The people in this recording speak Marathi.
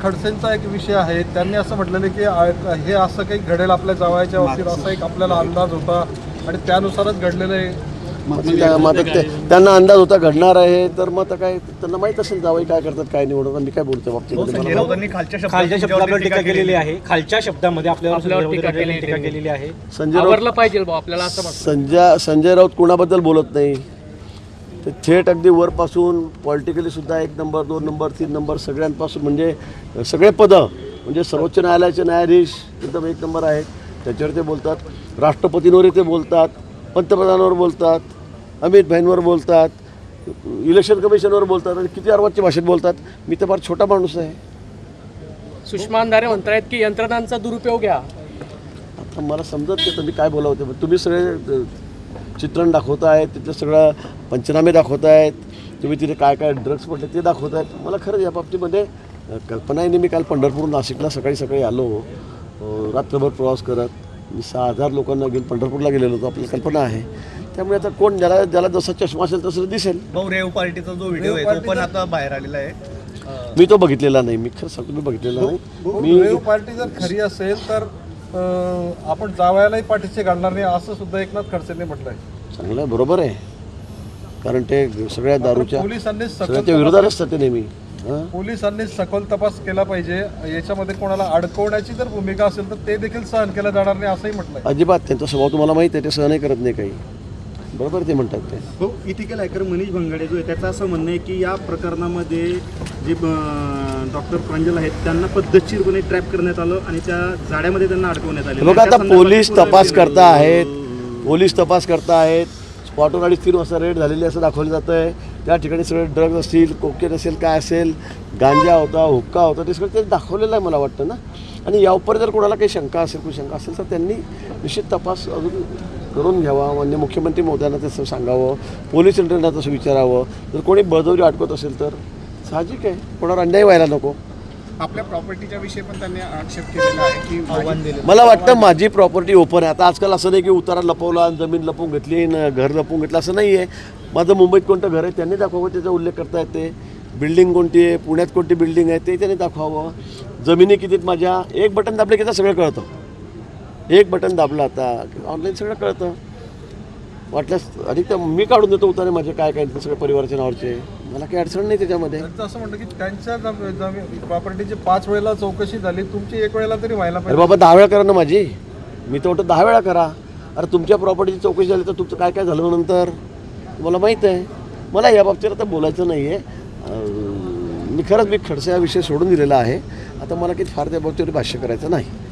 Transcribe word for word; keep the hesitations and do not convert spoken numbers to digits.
खडसेंचा एक विषय आहे, त्यांनी असं म्हटलेलं की हे असं काही घडेल आपल्या जावयाच्या बाबतीत असा एक आपल्याला अंदाज होता आणि त्यानुसारच घडलेलं आहे. मग त्यांना अंदाज होता घडणार आहे, तर मग आता काय त्यांना माहीत असेल जावई काय करतात काय निवडतात. मी काय बोलतो बाबतीत खालच्या शब्दावर टीका केलेली आहे, खालच्या शब्दामध्ये आपल्यावर टीका केलेली आहे. संजय पाहिजे आपल्याला असं संजय संजय राऊत कुणाबद्दल बोलत नाही, ते थेट अगदी वरपासून पॉलिटिकली सुद्धा एक नंबर दोन नंबर तीन नंबर सगळ्यांपासून म्हणजे सगळे पदं म्हणजे सर्वोच्च न्यायालयाचे न्यायाधीश एकदम एक नंबर आहेत, त्याच्यावर ते बोलतात. राष्ट्रपतींवरही ते बोलतात, पंतप्रधानावर बोलतात, अमित भाईंवर बोलतात, इलेक्शन कमिशनवर बोलतात आणि किती अर्वाच्या भाषेत बोलतात. मी तर फार छोटा माणूस आहे. सुषमा अंधारे म्हणतायत की यंत्रणांचा दुरुपयोग घ्या. आता मला समजत नाही तुम्ही काय बोलावते, पण तुम्ही सगळे चित्रण दाखवत आहेत, तिथलं सगळं पंचनामे दाखवत आहेत, तुम्ही तिथे काय काय ड्रग्स पडले ते दाखवत आहेत. मला खरंच या बाबतीमध्ये कल्पना आहे. मी काल पंढरपूर नाशिकला सकाळी सकाळी आलो, रात्रभर प्रवास करत मी सहा हजार लोकांना घेऊन पंढरपूरला गेलेलो होतो, आपल्याला कल्पना आहे. त्यामुळे आता कोण ज्याला ज्याला जसा चष्मा असेल तसं दिसेल. भाऊ रेव पार्टीचा जो व्हिडिओ आहे तो पण आता बाहेर आलेला आहे. मी तो बघितलेला नाही, मी खरं सांगतो मी बघितलेला नाही. मी रेव पार्टी जर खरी असेल तर आपण जावयालाही पाठीशी घालणार नाही असं सुद्धा एकनाथ खडसेंनी म्हटलंय. चांगलं आहे, बरोबर आहे, कारण ते सगळ्या दारूच्या पोलिसांनी सगळ्याच्या विरोधात असतात ते नेहमी. पोलिसांनी सखोल तपास केला पाहिजे, याच्यामध्ये कोणाला अडकवण्याची जर भूमिका असेल तर ते देखील सहन केलं जाणार नाही असंही म्हटलंय. अजिबात त्यांचा स्वभाव तुम्हाला माहिती आहे, ते सहनही करत नाही काही. बरोबर ते म्हणतात ते. हो, इथिकल हॅकर मनीष भंगाडे जो आहे त्याचं असं म्हणणं आहे की या प्रकरणामध्ये जे डॉक्टर प्रांजल आहेत त्यांना पद्धतशीरपणे ट्रॅप करण्यात आलं आणि त्या जाड्यामध्ये त्यांना अडकवण्यात आलं. बघा आता पोलीस तपास करता आहेत, पोलीस तपास करता आहेत. स्पॉटवर अडीच तीन वाजता रेड झालेली असं दाखवलं जातं आहे. त्या ठिकाणी सगळे ड्रग्ज असतील, कोकेन असेल, काय असेल, गांजा होता, हुक्का होता, ते सगळं ते दाखवलेलं आहे मला वाटतं ना. आणि यावर जर कोणाला काही शंका असेल कुठे शंका असेल तर त्यांनी निश्चित तपास अजून करून घ्यावा. म्हणजे मुख्यमंत्री महोदयांना तसं सांगावं, पोलीस यंत्रणा तसं विचारावं. जर कोणी बळजबरी अडकवत असेल तर साहजिक आहे, कोणावर अन्याय व्हायला नको. आपल्या प्रॉपर्टीच्या विषयी पण त्यांनी आक्षेप केलेला आहे की आव्हान दिले. मला वाटतं माझी प्रॉपर्टी ओपन आहे. आता आजकाल असं नाही की उतारा लपवला, जमीन लपवून घेतली, घर लपवून घेतलं, असं नाही आहे. माझं मुंबईत कोणतं घर आहे त्यांनी दाखवावं, त्याचा उल्लेख करता येते. बिल्डिंग कोणती आहे, पुण्यात कोणती बिल्डिंग आहे ते त्यांनी दाखवावं. जमिनी कितीत माझ्या, एक बटन दाबले की सगळं कळतं. एक बटन दाबलं आता ऑनलाईन सगळं कळतं. वाटल्यास अधिक तर मी काढून देतो उतारे माझे काय काय सगळ्या परिवाराच्या नावाचे, मला काही अडचण नाही त्याच्यामध्ये. त्यांचं असं म्हणतं की त्यांच्या प्रॉपर्टीची पाच वेळेला चौकशी झाली, तुमची एक वेळेला तरी व्हायला अरे पाहिजे. बाबा दहा वेळा करा ना माझी, मी तर वाटतं दहा वेळा करा. अरे तुमच्या प्रॉपर्टीची चौकशी झाली तर तुमचं काय काय झालं नंतर तुम्हाला माहीत आहे. मला या बाबतीत आता बोलायचं नाही आहे. मी खरंच मी खडसे हा विषय सोडून दिलेला आहे. आता मला किती फार त्या बाबतीवर भाष्य करायचं नाही.